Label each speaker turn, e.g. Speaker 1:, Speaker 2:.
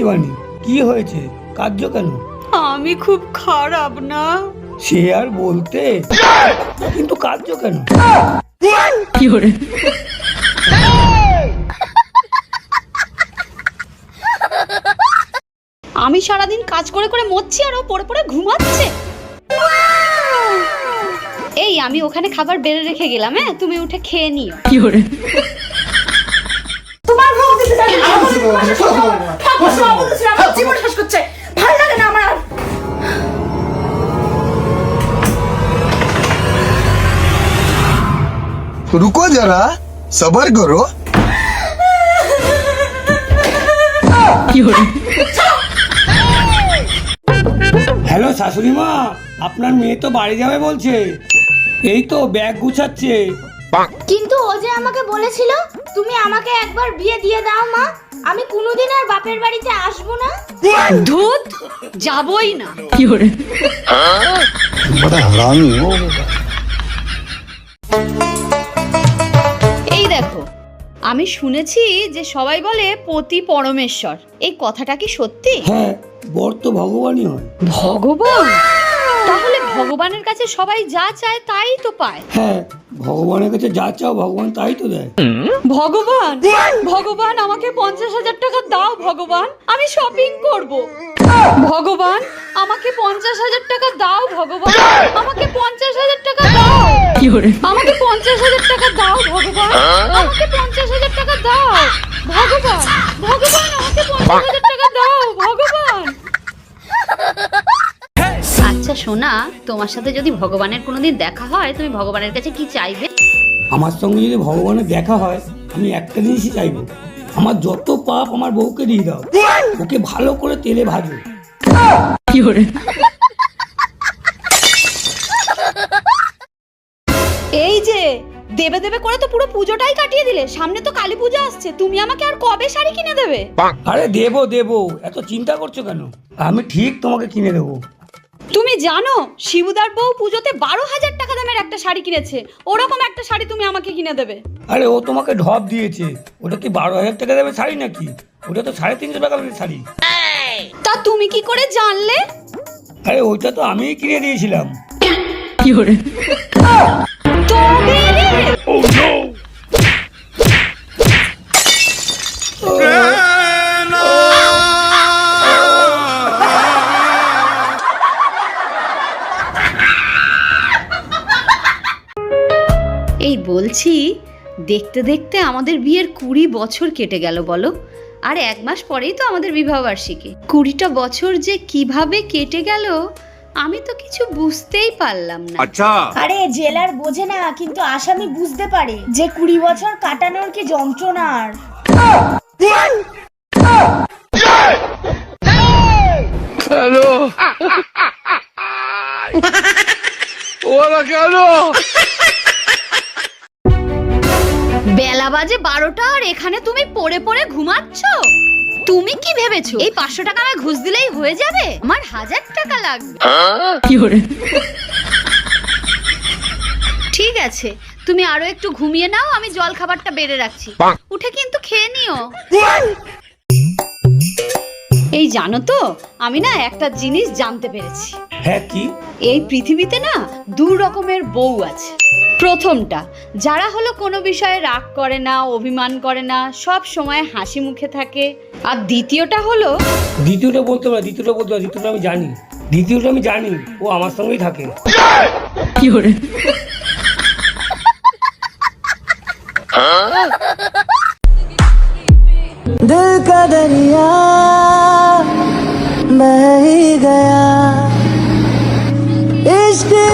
Speaker 1: শিবানী, কি হয়েছে? কাঁদছো কেন?
Speaker 2: আমি খুব খারাপ না।
Speaker 1: সে আর বলতে, কিন্তু কাঁদছো কেন?
Speaker 2: আমি সারাদিন কাজ করে করে মরছি আর ও পড়ে পড়ে ঘুমাচ্ছে। এই আমি ওখানে খাবার বেড়ে রেখে গেলাম, হ্যাঁ তুমি উঠে খেয়ে নিও।
Speaker 3: তোমার মুখ দিতে জানি না। আমার জীবন শেষ করছে, ভালো লাগে না আমার।
Speaker 4: रुको जरा सबर करो।
Speaker 1: হ্যালো শাশুড়ি মা, আপনার মেয়ে তো বাড়ি যাবে বলছে। এই তো ব্যাগ গুছাচ্ছে।
Speaker 5: কিন্তু ও যে আমাকে বলেছিল তুমি আমাকে একবার বিয়ে দিয়ে দাও মা, আমি কোনোদিন আর বাপের বাড়িতে আসবো না।
Speaker 2: ধুত, যাবই না।
Speaker 4: बड़ा हरामी हो।
Speaker 2: এই দেখো, আমি শুনেছি যে সবাই বলে পতি পরমেশ্বর, এই কথাটা কি সত্যি?
Speaker 1: হ্যাঁ, বর তো ভগবানই হয়।
Speaker 2: ভগবান? তাহলে ভগবানের কাছে সবাই যা চায় তাই তো পায়।
Speaker 1: হ্যাঁ, ভগবানের কাছে যা চাও ভগবান তাই তো দেয়।
Speaker 2: ভগবান, ভগবান আমাকে 50,000 টাকা দাও ভগবান, আমি শপিং করব। ভগবান আমাকে 50,000 টাকা দাও ভগবান, আমাকে 50,000 টাকা দাও। আমাকে 50,000 টাকা দাও ভগবান, আমাকে 50,000 টাকা দাও ভগবান, ভগবান আমাকে 50,000 টাকা দাও ভগবান। আচ্ছা সোনা, তোমার সাথে যদি ভগবানের কোনোদিন দেখা হয় তুমি ভগবানের কাছে কি চাইবে?
Speaker 1: আমার সঙ্গে যদি ভগবানের দেখা হয় আমি একটা জিনিসই চাইবো, আমার যত পাপ আমার বউকে দিয়ে দাও, ওকে ভালো করে তেলে ভাজো।
Speaker 2: এই যে দেবে দেবে করে তো পুরো পুজোটাই কাটিয়ে দিলে, সামনে তো কালী পূজা আসছে, তুমি আমাকে আর কবে শাড়ি কিনে দেবে?
Speaker 1: আরে দেবো দেবো, এত চিন্তা করছো কেন? আমি ঠিক তোমাকে কিনে দেবো।
Speaker 2: তুমি জানো শিবুদার বউ পুজোতে 12,000 টাকা দামের একটা শাড়ি কিনেছে, ওরকম একটা শাড়ি তুমি আমাকে কিনে দেবে?
Speaker 1: আরে ও তোমাকে ঢপ দিয়েছে, ওটা কি 12,000 টাকা দেবে শাড়ি নাকি? ওটা তো 350 টাকা দামের শাড়ি।
Speaker 2: তা তুমি কি করে জানলে?
Speaker 1: আরে ওইটা তো আমিই কিনে দিয়েছিলাম।
Speaker 2: তবে রে! এই বলছি, দেখতে দেখতে আমাদের বিয়ের 20 বছর কেটে গেল বলো, আর 1 মাস পরেই তো আমাদের বিবাহবার্ষিকী। 20টা বছর যে কিভাবে কেটে গেল আমি তো কিছু বুঝতেই পারলাম না।
Speaker 6: আচ্ছা,
Speaker 5: আরে জেলার বোঝে না, কিন্তু আসামি বুঝতে পারে যে 20 বছর কাটানোর কি যন্ত্রণার।
Speaker 6: হ্যালো ওরা কেন?
Speaker 2: বেলা বাজে 12টা আর এখানে তুমি পড়ে পড়ে ঘুমাচ্ছ। তুমি কি ভেবেছো এই 500 টাকা আমায় ঘুষ দিলেই হয়ে যাবে? আমার 1000 টাকা লাগবে। ঠিক আছে, তুমি আরো একটু ঘুমিয়ে নাও, আমি জল খাবারটা বেড়ে রাখছি, উঠে কিন্তু খেয়ে নিও। এই জানো তো, আমি না একটা জিনিস জানতে পেরেছি।
Speaker 1: হ্যাঁ, কি?
Speaker 2: এই পৃথিবীতে না 2 রকমের বউ আছে। প্রথমটা, যারা হলো কোনো বিষয়ে রাগ করে না, অভিমান করে না, সব সময় হাসি মুখে থাকে। আর দ্বিতীয়টা হলো,
Speaker 1: দ্বিতীয়টা বলতে পারো, দ্বিতীয়টা আমি জানি। দ্বিতীয়টা আমি জানি, ও আমার সঙ্গেই থাকে।
Speaker 7: दिल का दरिया बह ही गया, इश्क